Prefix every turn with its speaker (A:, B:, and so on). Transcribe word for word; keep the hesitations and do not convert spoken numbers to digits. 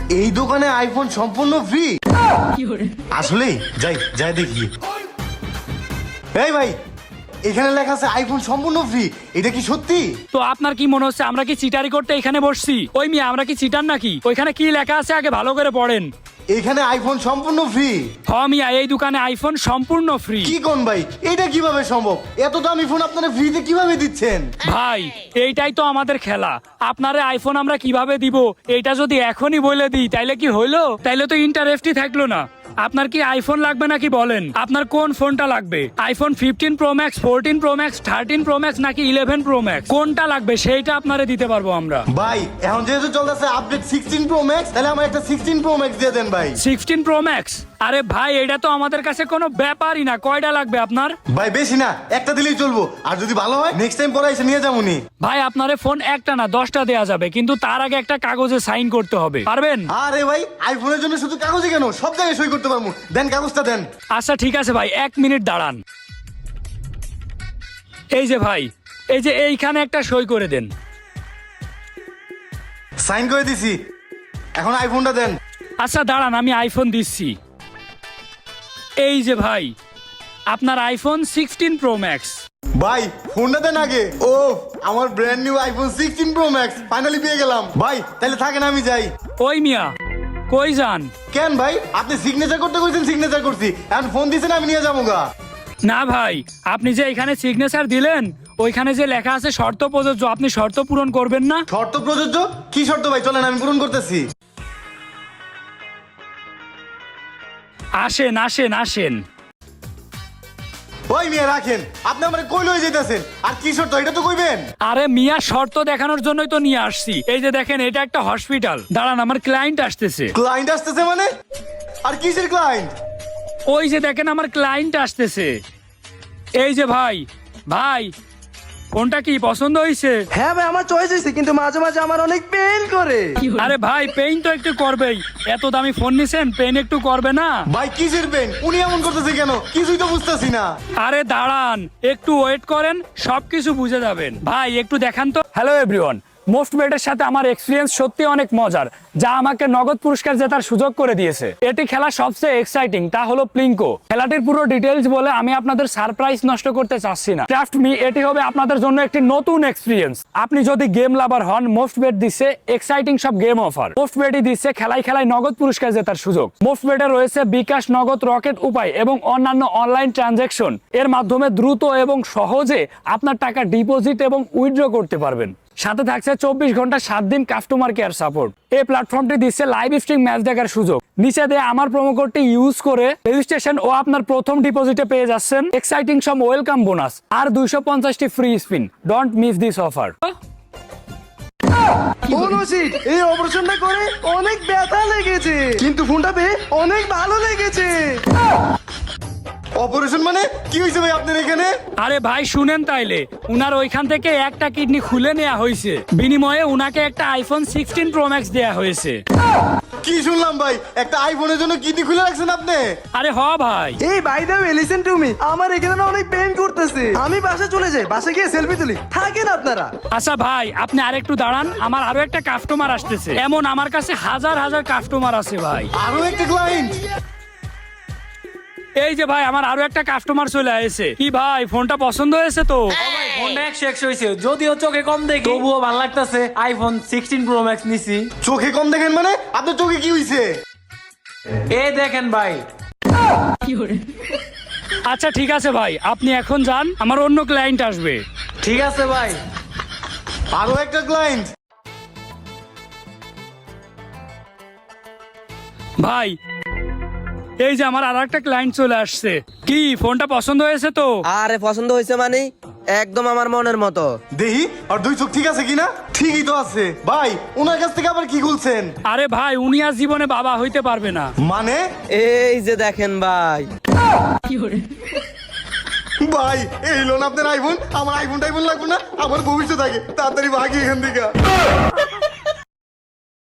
A: এই দোকানে আইফোন সম্পূর্ণ ফ্রি? আসলে যাই যাই দেখি। এই ভাই, এখানে লেখা আছে আইফোন সম্পূর্ণ ফ্রি, এটা কি সত্যি?
B: তো আপনার কি মনে হচ্ছে আমরা কি চিটারি করতে এখানে বসছি? ওই মিয়া, আমরা কি চিটার নাকি? ওইখানে কি লেখা আছে আগে ভালো করে পড়েন।
A: এখানে আইফোন সম্পূর্ণ ফ্রি?
B: হ মিয়া, এই দোকানে আইফোন সম্পূর্ণ ফ্রি।
A: কি কোন ভাই, এটা কিভাবে সম্ভব? এত দামি ফোন আপনারা ফ্রিতে কিভাবে দিচ্ছেন?
B: ভাই, এইটাই তো আমাদের খেলা। আপনারে আইফোন আমরা কিভাবে দিব এইটা যদি এখনই বলে দিই তাইলে কি হইলো? তাইলে তো ইন্টারেস্টই থাকলো না। আপনার কি আইফোন লাগবে নাকি বলেন? আপনার কোন ফোনটা লাগবে? IPhone fifteen pro max, fourteen pro max, thirteen pro max নাকি ইলেভেন প্রো ম্যাক্স? কোনটা লাগবে সেইটা আপনারে দিতে পারবো আমরা।
A: ভাই এখন যেহেতু চলতেছে আপডেট সিক্সটিন প্রো ম্যাক্স, তাহলে আমার একটা সিক্সটিন প্রো ম্যাক্স দিয়ে দেন ভাই।
B: Sixteen pro max? আরে ভাই, এটা তো আমাদের কাছে কোনো ব্যাপারই না। কয়টা লাগবে আপনার?
A: ভাই বেশি না, একটা দিলেই চলবো, আর যদি ভালো হয় নেক্সট টাইম পরে এসে নিয়ে যাবো নি।
B: ভাই, আপনারে ফোন একটা না দশটা দেয়া যাবে, কিন্তু তার আগে একটা কাগজে সাইন করতে হবে। পারবেন?
A: আরে ভাই, আইফোনের জন্য শুধু কাগজে কেন, সব জায়গায় সই করতে পারবো। দেন কাগজটা দেন।
B: আচ্ছা ঠিক আছে ভাই, এক মিনিট দাঁড়ান। এই যে ভাই, এই যে এইখানে একটা সই করে দেন।
A: সাইন করে দিছি, এখন আইফোনটা দেন।
B: আচ্ছা দাঁড়ান, আমি আইফোন দিচ্ছি। এই যে ভাই, আপনার আইফোন সিক্সটিন প্রো ম্যাক্স।
A: ভাই ফোনটা দেন আগে। ও, আমার brand new iPhone sixteen pro max finally পেয়ে গেলাম। ভাই তাহলে থাকেন, আমি যাই।
B: ওই মিয়া, কই যান?
A: কেন ভাই, আপনি সিগনেচার করতে কইছেন, সিগনেচার করছি, এখন ফোন দিছেন আমি নিয়ে যাবো গা।
B: না ভাই, আপনি যে এখানে সিগনেচার দিলেন, ওইখানে যে লেখা আছে শর্ত প্রযোজ্য, আপনি শর্ত পূরণ করবেন না?
A: শর্ত প্রযোজ্য? কি শর্ত ভাই, চলেন আমি পূরণ করতেছি।
B: আসেন আসেন আসেন।
A: ওই মিয়া রাখেন, আপনি আমার কই লয়ে যাইতেছেন? আর কি শর্ত এটা তো কইবেন।
B: আরে মিয়া, শর্ত দেখানোর জন্যই তো নিয়ে আসছি। এই যে দেখেন, এটা একটা হসপিটাল। দাঁড়ান, আমার ক্লায়েন্ট আসতেছে।
A: ক্লায়েন্ট আসতেছে মানে? আর কিসের ক্লায়েন্ট?
B: ওই যে দেখেন, আমার ক্লায়েন্ট আসতেছে। এই যে ভাই, ভাই ফোনটা কি পছন্দ হয়েছে?
C: হ্যাঁ ভাই, আমার চয়েস হয়েছে, কিন্তু মাঝে মাঝে আমার অনেক পেইন করে।
B: আরে ভাই, পেইন তো একটু করবেই। এত দামি ফোন নিছেন, পেইন একটু করবে না?
A: ভাই কিসের পেন? উনি এমন করতেছে কেন, কিছুই তো বুঝতেছি না।
B: আরে দাঁড়ান, একটু ওয়েট করেন, সবকিছু বুঝে যাবেন। ভাই একটু দেখান তো। হ্যালো এভরিওয়ান, মোস্ট বেটের সাথে আমার এক্সপিরিয়েন্স সত্যি অনেক মজার, যা আমাকে নগদ পুরস্কার জেতার সুযোগ করে দিয়েছে। এটি খেলা সবচেয়ে এক্সাইটিং, তা হলো প্লিঙ্কো। খেলাটির পুরো ডিটেইলস বলে আমি আপনাদের সারপ্রাইজ নষ্ট করতে চাচ্ছি না। ট্রাস্ট মি, এটি হবে আপনাদের জন্য একটি নতুন এক্সপিরিয়েন্স। আপনি যদি গেম লাভার হন, মোস্ট বেট দিচ্ছে এক্সাইটিং সব গেম অফার। মোস্ট বেটই দিচ্ছে খেলায় খেলায় নগদ পুরস্কার জেতার সুযোগ। মোস্ট বেটে রয়েছে বিকাশ, নগদ, রকেট উপায় এবং অন্যান্য অনলাইন ট্রানজাকশন। এর মাধ্যমে দ্রুত এবং সহজে আপনার টাকা ডিপোজিট এবং উইথড্র করতে পারবেন। সাথে থাকছে চব্বিশ ঘন্টা সাত দিন কাস্টমার কেয়ার সাপোর্ট। এই প্ল্যাটফর্মটি দিচ্ছে লাইভ স্ট্রিম ম্যাচ দেখার সুযোগ। নিচে দিয়ে আমার প্রোমো কোডটি ইউজ করে রেজিস্ট্রেশন ও আপনার প্রথম ডিপোজিটে পেয়ে যাচ্ছেন এক্সাইটিং সব ওয়েলকাম বোনাস আর দুইশো পঞ্চাশটি free spin. Don't miss this offer.
C: এই অপারেশনটা করে অনেক ব্যথা লেগেছে, কিন্তু ফোনটা পেয়ে অনেক ভালো লেগেছে।
A: অপারেশন মানে কি হয়েছে ভাই আপনার এখানে?
B: আরে ভাই শুনেন তাইলে, উনার ওইখান থেকে একটা কিডনি খুলে নেওয়া হয়েছে, বিনিময়ে উনাকে একটা আইফোন সিক্সটিন প্রো ম্যাক্স দেয়া হয়েছে।
A: কি শুনলাম ভাই, একটা আইফোনের জন্য কিডনি খুলে রাখছেন আপনি?
B: আরে হ ভাই।
C: এই by the way, listen to me, আমার এখানে না অনেক পেইন করতেছে। আমি বাসা চলে যাই, বাসা গিয়ে সেলফি তুলি, থাকেন আপনারা।
B: আচ্ছা ভাই, আপনি আরেকটু দাঁড়ান, আমার আরো একটা কাস্টমার আসতেছে। এমন আমার কাছে হাজার হাজার কাস্টমার আছে ভাই।
A: আরো একটা ক্লায়েন্ট?
B: এই যে ভাই, আমার আরো একটা কাস্টমার চলে আসছে। কি ভাই, ফোনটা পছন্দ হয়েছে তো?
D: ফোনটা একশো একশো হয়েছে, যদিও চোখে কম দেখি তবুও ভালো লাগতেছে। আইফোন সিক্সটিন প্রো ম্যাক্স নিছি।
A: চোখে কম দেখেন মানে? আপনার চোখে কি হয়েছে?
D: এই দেখেন ভাই।
B: আচ্ছা ঠিক আছে ভাই, আপনি এখন যান, আমার অন্য ক্লায়েন্ট আসবে।
D: ঠিক আছে ভাই।
A: আরো একটা ক্লায়েন্ট?
B: ভাই এই যে আমার আর একটা ক্লায়েন্ট চলে আসছে। কি ফোনটা পছন্দ হয়েছে তো?
E: আরে পছন্দ হয়েছে মানে একদম আমার মনের মতো।
A: দেখি আর দুই চোখ ঠিক আছে কিনা। ঠিকই তো আছে ভাই, ওনার কাছ থেকে আবার কি খুলছেন?
B: আরে ভাই, উনি আর জীবনে বাবা হইতে পারবে না।
A: মানে?
E: এই যে দেখেন ভাই।
A: ভাই এই লোন আপনার আইফোন, আমার আইফোন টাইফোন লাগবে না, আমার ভবিষ্যৎ আগে, তাড়াতাড়ি ভাগি এখান থেকে।